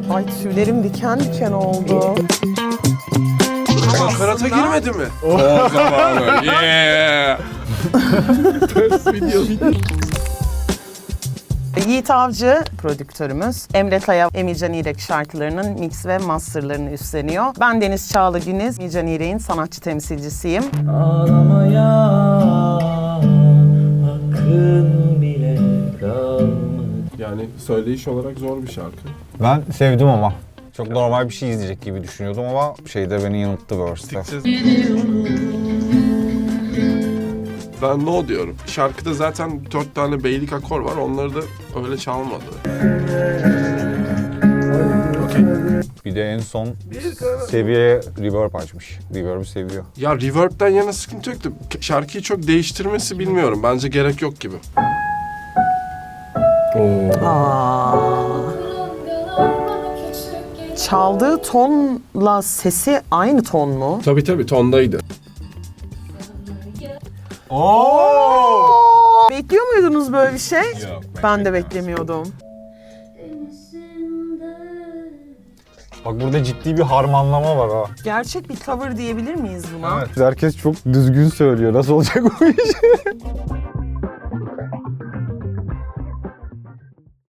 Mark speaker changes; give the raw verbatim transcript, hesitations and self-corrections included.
Speaker 1: Ay tüylerim diken diken oldu.
Speaker 2: Karata girmedi mi? O zamanı. Yeah.
Speaker 1: Yiğit Avcı prodüktörümüz. Emre Taya, Emircan İrek şarkılarının mix ve masterlarını üstleniyor. Ben Deniz Çağla Güniz, Emircan İrek'in sanatçı temsilcisiyim.
Speaker 3: Ağlamaya hakkın bile kalmadı.
Speaker 2: Yani söyleyiş olarak zor bir şarkı.
Speaker 4: Ben sevdim ama. Çok normal bir şey izleyecek gibi düşünüyordum ama şeyde beni yanılttı verse'te.
Speaker 2: Ben no diyorum. Şarkıda zaten dört tane beylik akor var. Onları da öyle çalmadı. Okay.
Speaker 4: Bir de en son seviyeye reverb açmış. Reverb'ı seviyor.
Speaker 2: Ya reverb'den yana sıkıntı yoktu. Şarkıyı çok değiştirmesi bilmiyorum. Bence gerek yok gibi.
Speaker 1: Aa. Çaldığı tonla sesi aynı ton mu?
Speaker 2: Tabii tabii tondaydı.
Speaker 1: Oo! Bekliyor muydunuz böyle bir şey?
Speaker 4: Yok,
Speaker 1: Ben de beklemiyordum.
Speaker 4: Bak burada ciddi bir harmanlama var ha.
Speaker 1: Gerçek bir cover diyebilir miyiz buna?
Speaker 4: Evet. Herkes çok düzgün söylüyor. Nasıl olacak bu iş?